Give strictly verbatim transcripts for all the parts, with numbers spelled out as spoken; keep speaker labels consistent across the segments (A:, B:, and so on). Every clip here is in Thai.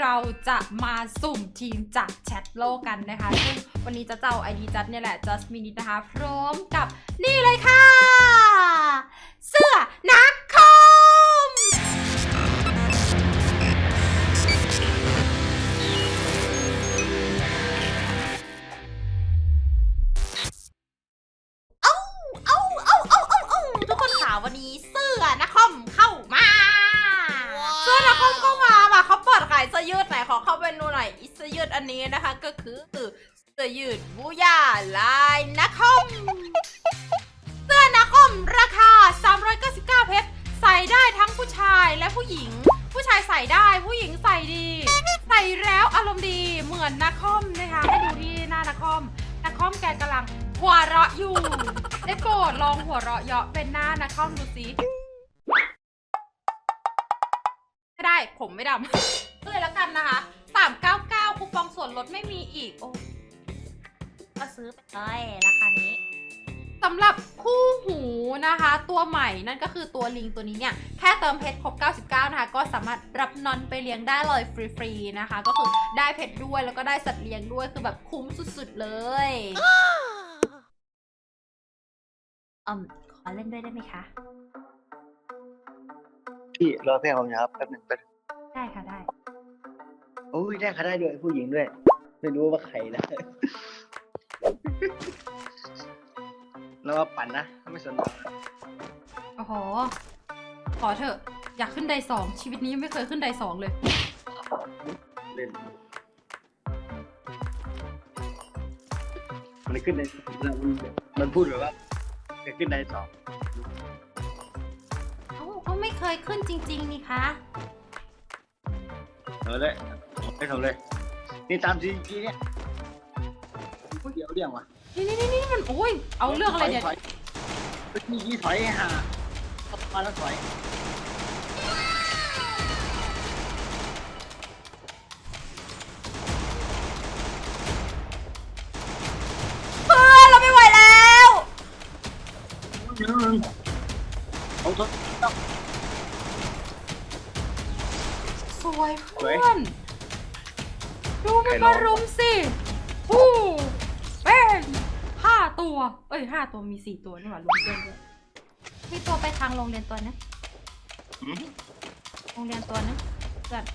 A: เราจะมาสุ่มทีมจากแชทโลกกันนะคะซึ่งวันนี้จะเจ้าไอดีจัดเนี่ยแหละ just minute นะคะพร้อมกับนี่เลยค่ะเสื้อนักคอมเอาเอาเอาเอาเอาเอาทุกคนค่ะวันนี้เสื้อนักคอมเข้ามาเสื้อนักคอมเข้ามาว่ะเขาเปิดขายเสื้อยืดไหนขอเข้าไปดูหน่อยเสื้อยืดอันนี้นะคะก็คือเสื้อยืดบูย่าลายนักคอมเสื้อนักคอมราคาสามร้อยเก้าสิบเก้าเพชรใส่ได้ทั้งผู้ชายและผู้หญิงผู้ชายใส่ได้ผู้หญิงใส่ดีใส่แล้วอารมณ์ดีเหมือนนักคอมนะคะให้ดูที่หน้านักคอมนักคอมแกกำลังหัวเราะอยู่ได้โปรดลองหัวเราะเยาะเป็นหน้านักคอมดูสิไม่ได้ผมไม่ดำเลยแล้วกันนะคะสามเก้าเก้าคูปองส่วนลดไม่มีอีกโอ้ก็ซื้อไปเลยราคานี้สำหรับคู่หูนะคะตัวใหม่นั่นก็คือตัวลิงตัวนี้เนี่ยแค่เติมเพชรครบเก้าสิบเก้านะคะก็สามารถรับนอนไปเลี้ยงได้เลยฟรีๆนะคะก็คือได้เพชรด้วยแล้วก็ได้สัตว์เลี้ยงด้วยคือแบบคุ้มสุดๆเลยอืมขอเล่นด้วยได้ไหมคะ
B: พี่รอเพื่อนผมนะครับแป๊บหนึงแป๊บนึง
A: ได้ค่ะได้
B: โอ้ยได้ค่ะได้ด้วยผู้หญิงด้วยไม่รู้ว่าใครนะ แล้วว่าปั่นนะไม่สนใจ
A: โอ้โหขอเถอะอยากขึ้นไดสองชีวิตนี้ยังไม่เคยขึ้นไดสองเลย
B: เล่นมันขึ้นในมันมันพูดแบบว่าจะขึ้นในสอง
A: เขาเขาไม่เคยขึ้นจริงๆนี่คะ
B: เอาเลยไม่ทำเลยนี่ตามทีทีเนี่ยเดี๋ยวเรื่องวะ
A: นี่นี่นี่มันโอ้ยเอาเรื่องอะไรเนี่ย
B: มีกี่ถอยฮะมาแล้วถอย
A: เพื่อนเราไม่ไหวแล้ว
B: เอาทด
A: สวยเพื่อนดูมันมารุมสิฮู้เป็นห้าตัวเอ้ยห้าตัวมีสี่ตัวนี่หว่ารุมเพื่อนด้วยมีตัวไปทางโรงเรียนตัวนะโรงเรียนตัวนะเพื่อน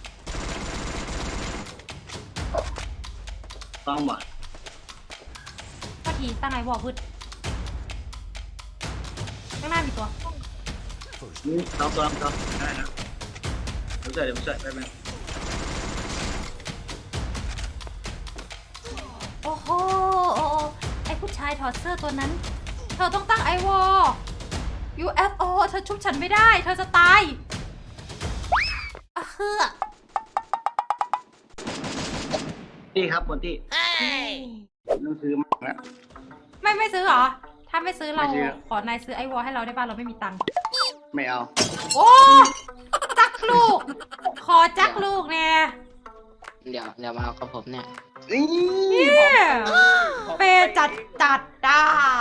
B: ต้องบ่
A: พอทีตั้งไงบอกพืชข้างหน้ามีตัว
B: นี่ต้องตัวต้องได้นะเดี๋ยวเดี๋ยวเดี๋ยวไปไหม
A: โอ้โหไอผู้ชายถอดเสื้อตัวนั้นเธอต้องตั้งไอวอ ยู เอฟ โอ เธอชุบฉันไม่ได้เธอจะตายอะเฮือ
B: ที่ครับคนที่ต้องซื้อมาแล้ว
A: ไม่ไม่ซื้อเหรอถ้าไม่ซื้อเราขอนายซื้อไอวอให้เราได้ป่ะเราไม่มีตังค์
B: ไม่เอา
A: โอ้จักลูกขอจักลูกเนี่ย
C: เดี๋ยวเดี๋ยวมาเอากับผมเนี่ย
A: นี่เปจัดจัดด้า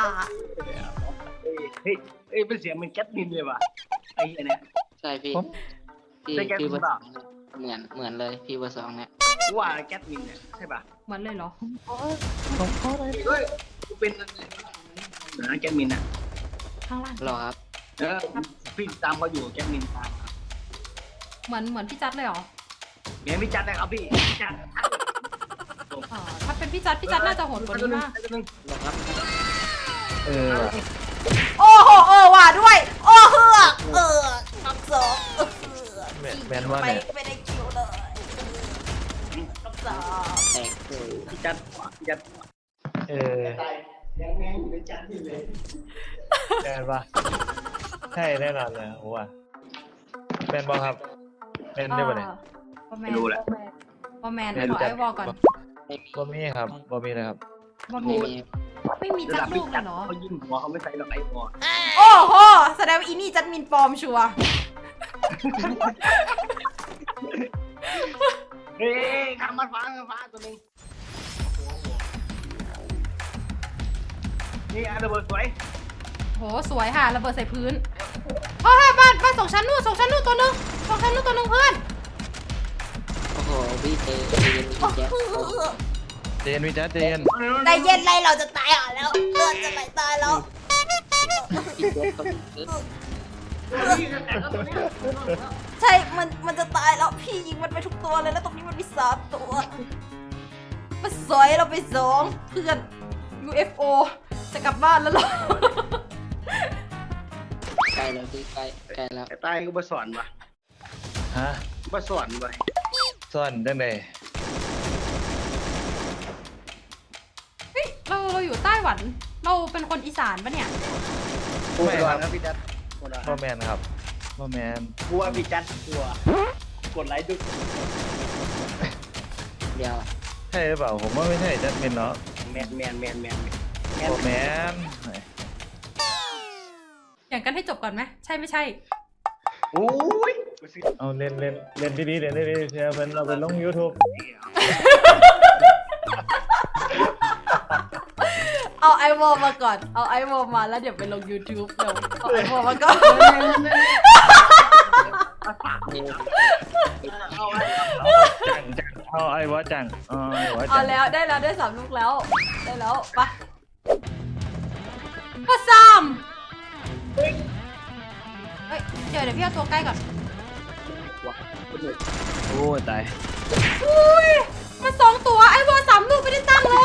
B: เฮ้ยเฮ้ยเป็นเสียงมันแก๊สมินเลยว่ะไอ้เนี่ย
C: ใช่พี่พี่พี่เบอร์สองเหมือนเหมือนเลยพี่เบอร์สองเนี่ย
B: ว่าแก๊สมินเนี่ยใช่ป่ะ
A: เหมือนเลยเหรอ
B: ผมเขาเลยเฮ้ยกูเป็นนะแก๊สมินอ่ะ
A: ข้างล่าง
C: หรอครับ
B: เออพี่ตามเขาอยู่แก๊สมินตาม
A: เหมือนเหมือนพี่จัดเลยเหรอ
B: เหมือนพี่จัดเลยครับพี่พี่จัด
A: ถ้าเป็นพี่จัดพี่จัดน่าจะโหดกว่านี้มาก
B: เออ
A: โอ้โหเออว่าด้วยโอ้เฮือกเออทำสองเออ
B: แมนว่าเนี่ย
A: ไม่ได้คิวเลยทำสอง
C: แตก
B: พี่จัดพี่จัดเออยังแม่อยู่ในจัดที่เลยแมนปะใช่แน่นอนเลยผมว่าแมนบอครับแมนได้ปะเนี่ย
A: ไม่รู้แหละบอแมนขอไอวอลก่อน
B: บอมี่ครับบอมี่เลยครับ
A: บอมี่ไม่มีจักลูกเลยเนาะ
B: เขายิงหัวเขาไม่ใส่หรอกไอ้วอล
A: โอ้โหแสดงว่าอีนี่จัดมินปลอมชัวร์
B: เฮ้ยทำมันฟ้าฟ้าตัวนึงนี่อันระเบิดสวย
A: โหสวยค่ะระเบิดใส่พื้นเฮ้ยบ้านบ้านสองชั้นนู่นสองชั้นนู่นตัวนึงสองชั้นนู่นตัวนึงเพื่อน
C: โอ้โหพี่เจเจนพี่แจ๊ค
B: เจนวิจัดเจน
A: ใจเย็นไรเราจะตายอ่ะแล้วเลือดจะไหลตายแล้ว
C: พี่แจ๊คต้อง
A: ใช่ มัน มันจะตายแล้ว พี่ยิงมันไปทุกตัวเลย แล้วตรงนี้มันมีสามตัวมาสอยเราไปสองเพื่อน ยู เอฟ โอ จะกลับบ้านแล้วเหรอ
C: ใกล้แล้วพี่ใกล้ใกล้แล้ว
D: ไอ้ใต้ก็มาสอนวะ
B: ฮะ
D: มาสอนวะ
B: ซ่อนได้ไหม
A: เฮ้ย เรา เราอยู่ไต้หวัน เราเป็นคนอีสานปะเนี่ย
D: กูอุดรครับพี่จัดอุดร
B: พ่อแมนครับพ่อแมน
D: กลัวพี่จัดกลัวกดไลค์ดู
C: เดี๋ยว
B: ใช่หรือเปล่าผมว่าไม่ใช่จัดเป็นเนาะ
D: แมนแมนแมนแมนแมน
B: พ่อแมน
A: อย่างกันให้จบก่อนไหม ใช่ไม่ใช่
D: โอ้ย
B: เอาเล่นเล่นเล่นดีๆเล่นดีๆเชียร์เป็นเราไปลง YouTube
A: เอาไอวอลมาก่อน เอาไอวอลมาแล้วเดี๋ยวไปลง YouTube เดี๋ยวเอาไอวอลมาก่อน
B: จังจังเอาไอ้วะจังเอาไอ้วะจั
A: เอา
B: ง
A: แล้วได้แล้วได้สามลูกแล้ว ได้แล้วไปะมาซ้ำเฮ้ยเดี๋ยวเดี๋ยวพี่เอาตัวใกล้ก่อน
B: โอ้ยตาย
A: อุ้ยมันสองตัวไอ้วอลสามลูกไม่ได้ตั้งเลย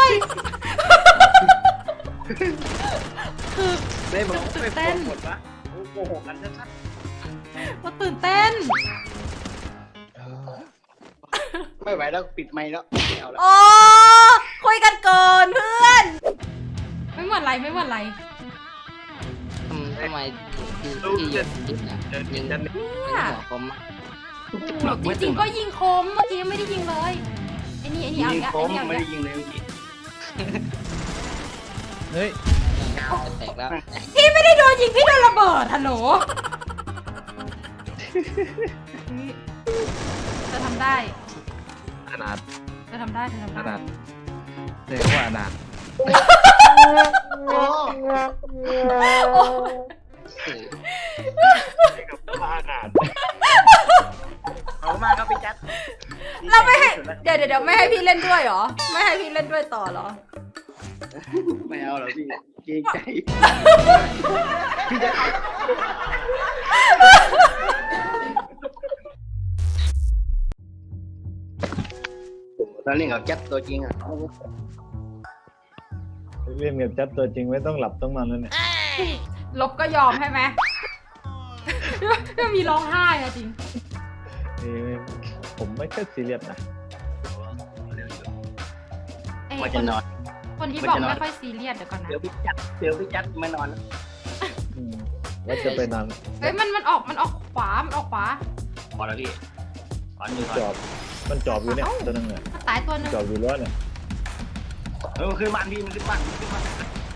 A: คือ
D: ได้บอกไม่พอหมดปะโกหกกันชัด
A: มันตื่นเต้น
D: ๆไม่ไหวแล้วปิดไมค์แล้วไม่เอาแล้ว
A: โอ้คุยกันก่อนเพื่อน ไม่เหมือนไรไม่เหมือนไร
C: ทำทำไมพี่พี่ยิงยิงอ่ะยิงยิงหัวคม
A: จริงๆก็ยิงคมเมื่อกี้ไม่ได้ยิงเลยไอ้นี่ไอ้นี่เอา
D: ยิง
A: อีก
D: โค
A: แล้ว
D: ม
A: ไอ้นี่เอา
D: ไม่
A: อีกแล้ว
D: ได้ยิงเลยเมื่อกี้
B: เฮ้ย
C: จะแตกแล้ว
A: พี่ไม่ได้โดนยิงพี่โดนระเบิดฮัลโหลจะทำได้
B: ขนาด
A: จะทำได้จะทำ
B: ข
A: ได้
B: นาดเรียกว่าขนาด
D: โอ้
A: โอ้
B: ขนาด
D: เอามาครับพี่จัด
A: เราไม่ให้เดี๋ยวเดี๋ยวเดี๋ยวไม่ให้พี่เล่นด้วยเหรอ ไม่ให้พี่เล่นด้วยต่อเหรอ
D: ไม่เอาหรอพี่เกรงใจพี่จัดตอนนี้กับจัดตัวจริงอ่ะ
B: เล่นกับจัดตัวจริงไม่ต้องหลับต้องนอนแล้วเนี่ย
A: ลบก็ยอมใช่ไหมก็มีร้องไห้อะจริง
B: นี่ผมไม่ค่อยซีเรียสนะ
A: เอ้ย
D: ว่า
A: ค
D: จะ
A: น
D: นอน
A: คนที่บอกไม่ค่อยซีเรียสเดี๋ยวก่อนนะ
D: เดี๋ยวพี่จัดเดี๋ยวพี่จัดไม่นอน
B: อืมว่าจะไปนอน
A: เฮ้ยมันมันออกมันออกขวา มันออกขวา
D: พอแล้วพี่ถอนอยู่ถอน
B: จอบมันจอบอยู่เนี่ยตัวนึงเนี่ย
A: มันตายตัวหนึง
B: จอบอยู่ร้อยเนี่ย
D: เออมันขึ้นบ้านพี่มันขึ้นบ้านมันขึ้นบ้าน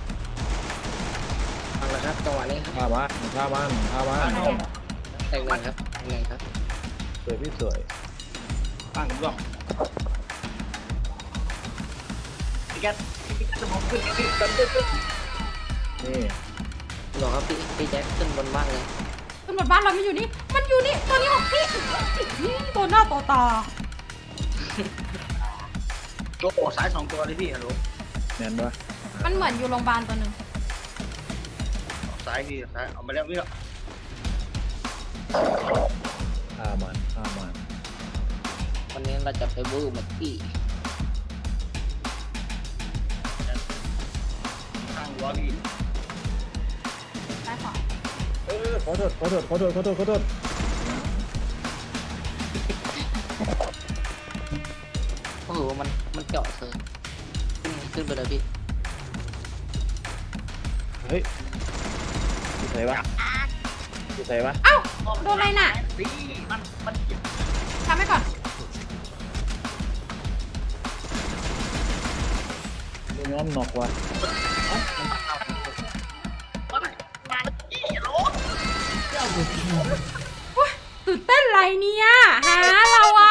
C: เอาละครับจังหวะนี้ครับ
B: พาบ้านพาบ้านพาบ้าน
C: แตกเลยครับแตกเลยครับ
B: สวยพี่สวย
D: บ้านร่วงพี่จัดพี่จัดจะมองขึ้นพี่จัดขึ้นขึ้น
B: นี่
C: หรอครับพี่พี่แจ๊คขึ้นบนบ้านเลย
A: ตำรวจบ้านเราไม่อยู่นี่ มันอยู่นี่ ตัวนี้ของพี่ตัวหน้าตัวตา
D: ตัวโอ้สายสองตัวเลยพี่ฮัลโหล
B: แน่นปะ
A: มันเหมือนอยู่โรงพยาบาลตัวหนึ่ง
D: สายพี่สายเอามาแล้วพี่
B: พามันพามัน
C: วันนี้เราจะไปบู๊เหมือนพี่
D: ข้างหัวพี่
A: ซ้ายขวา
B: เออขอโทษขอโทษขอโทษขอโทษขอโทษ
C: โอ้โหมันมันเจาะเสยขึ้นขึ้นไปเลยพี่
B: เฮ้ยอยู่ไหนวะอยู่ไหนวะ
A: เอ้าโดนอะไรน่ะ
D: พี่มันมัน
A: ทำให้ก่อน
B: ดูน้อมหนอกว่ะ
A: ตื่นเต้นอะไรเนี่ยหาเราอะ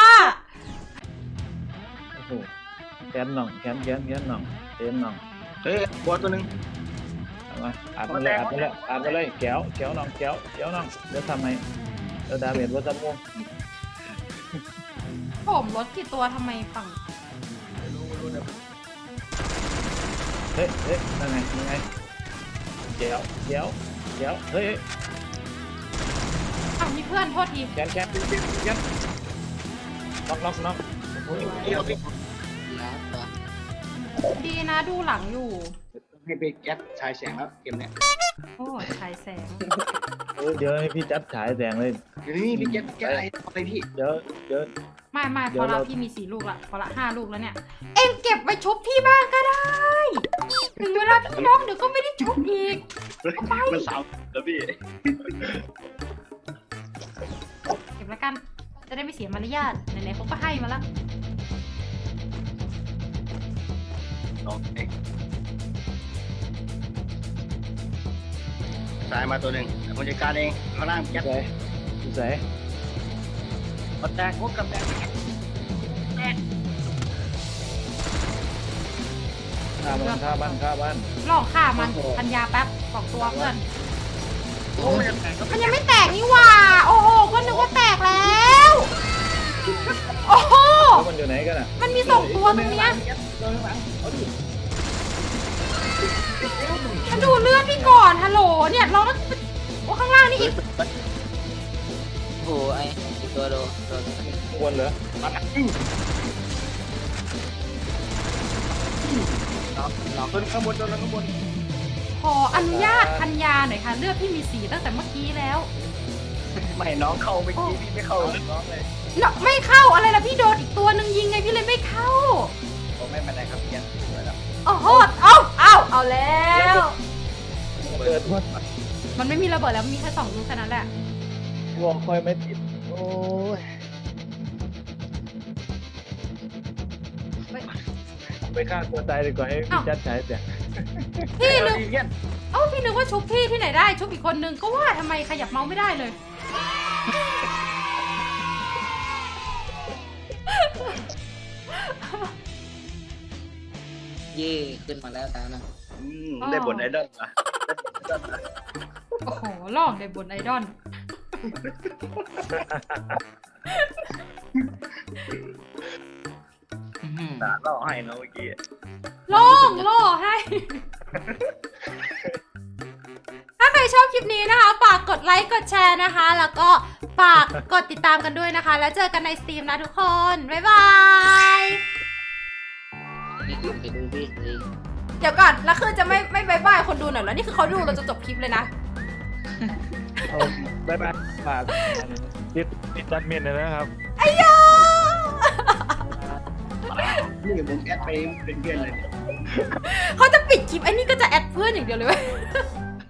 B: โอ้โหแขนหน่องแขนแขนแขนหน่องเต็มหน่อง
D: เฮ้ยบัวตัวหนึ่ง
B: เอามาอาบมาเลยอาบมาเลยอาบมาเลยแก้วแก้วหน่องแก้วแก้วหน่องเดี๋ยวทำไมเดี๋ยวดาเมจว่าจะม่วง
A: ผมรถกี่ตัวทำไมฝั่ง
B: เฮ้ยเฮ้ยนั่นไงยังไงเดี๋ยวเดี๋ยวเดี๋ยวเฮ้ย
A: อ้าวมีเพื่อนโทษที
B: แกนแกนแกนแกนน็อกน็อกน็อกโอ้ย
D: เดี๋ยวพี่
C: แล้วตัว
A: ดีนะดูหลังอยู่
D: ให้ไปแก๊ปชายแสงแล้วเกมเนี้ย
A: โอ้ชายแสง
B: เออเดี๋ยวให้พี่จัดฉายแสงเลย
D: เดี๋ยวนี้พี่แก๊ปแก๊ปอะไรอะไรพี่
B: เดี๋ยวเดี๋ยว
A: ไม่ไม่
B: เดี๋
A: พ
B: ย
A: อ
B: ว
A: ละ
B: เรา
A: พี่มีสี่ลูกละพอละห้าลูกแล้วเนี่ย เอ็งเก็บไว้ชุบพี่บ้างก็ได้ ถึงเวลาพี่น้องเดี๋ยวก็ไม่ได้ชุบอีก
D: มันสาวแล้วพี่
A: เก็บแล้วกัน จะได้ไม่เสียมารยาทไหนๆเขาก็ให้มาแล้ว
D: น้องเอ็กตายมาตัวหนึ่งแต่ผมจัดการเองข้างล่างแก๊ป
B: ใส่ใส่
D: กดแตกพวกกับแตก
B: ฆ่ามันฆ่ามันฆ่ามัน
A: ลองฆ่ามันพันยาแป๊บสองตัวเพื่อน
D: โอ้ยแตกก็
A: มันยังไม่แตกนี่หว่า โอ้โหก็นึกว่าแตกแล้ว โอ้โห
B: แล้วมันอยู่ไหนกันอ่ะ
A: มันมีสองตัวตรงเนี้ย
D: ตัวข้างหลังเอาดิ
A: มาดูเลือดพี่ก่อนฮัลโหลเนี่ยเราต้องโอ้ข้างล่างนี่อีก
C: โอ้โหไอ้ไอ้ตัวโดนโดน
B: วนเหรอ
D: มันอื้อ
C: น็อกน็อก
D: ตัวข้างบนตัวข้างบน
A: ขออนุญาตพันยาหน่อยค่ะ เลือดพี่มีสีตั้งแต่เมื่อกี้แล้ว
D: ไม่น้องเข้าเมื่อกี้พี่ไม่เข้าน้องเลย
A: เนาะไม่เข้าอะไรล่ะพี่โดนอีกตัวหนึ่งยิงไงพี่เลยไม่เข้า
D: ผมไม่เป็นไรครับพี่ยันสวยแล้ว
A: โอ้โหเอาเอาเอาแล้ว
B: เปิดวัด
A: มันไม่มีระเบิดแล้วมีแค่สองลูกแค่นั้นแหละ
B: วอลคอยไม่ติดโอ้ยไปฆ่าตัวตายดีกว่าให้พี่จัดฉายแสง
A: พี่นึก
D: ดีเงี้ย
A: เอ้าพี่นึกว่าชุบพี่ที่ไหนได้ชุบอีกคนนึงก็ว่าทำไมขยับเมาส์ไม่ได้เลย
C: เย่ขึ้นมาแล้วตานะ
D: อืมได้บทไอดอลอ่ะ
A: โอ้โหลอกในบนไอดอล
C: อื้อหือ
D: ตาล่อให้นะเมื่อกี้
A: ล่องล่อให้ ถ้าใครชอบคลิปนี้นะคะฝากกดไลค์กดแชร์นะคะ แล้วก็ฝากกดติดตามกันด้วยนะคะ แล้วเจอกันในสตรีมนะทุกคน บ๊ายบาย
C: นี่ขึ้นไปดูพี่สิ
A: เดี๋ยวก่อน แล้วคือจะไม่ไม่บายบายคนดูหน่อยแล้วนี่คือเขาดูเราจะจบคลิปเลยนะ
B: เอาบายบายฝากติดติดจัดเมียนเลยนะครับ
A: ไอ้ยา
D: นี่ผมแอดไปเป็นเพื่อนเลย
A: เขาจะปิดคลิปไอ้นี่ก็จะแอดเพื่อนอย่างเดียวเลยเว้ย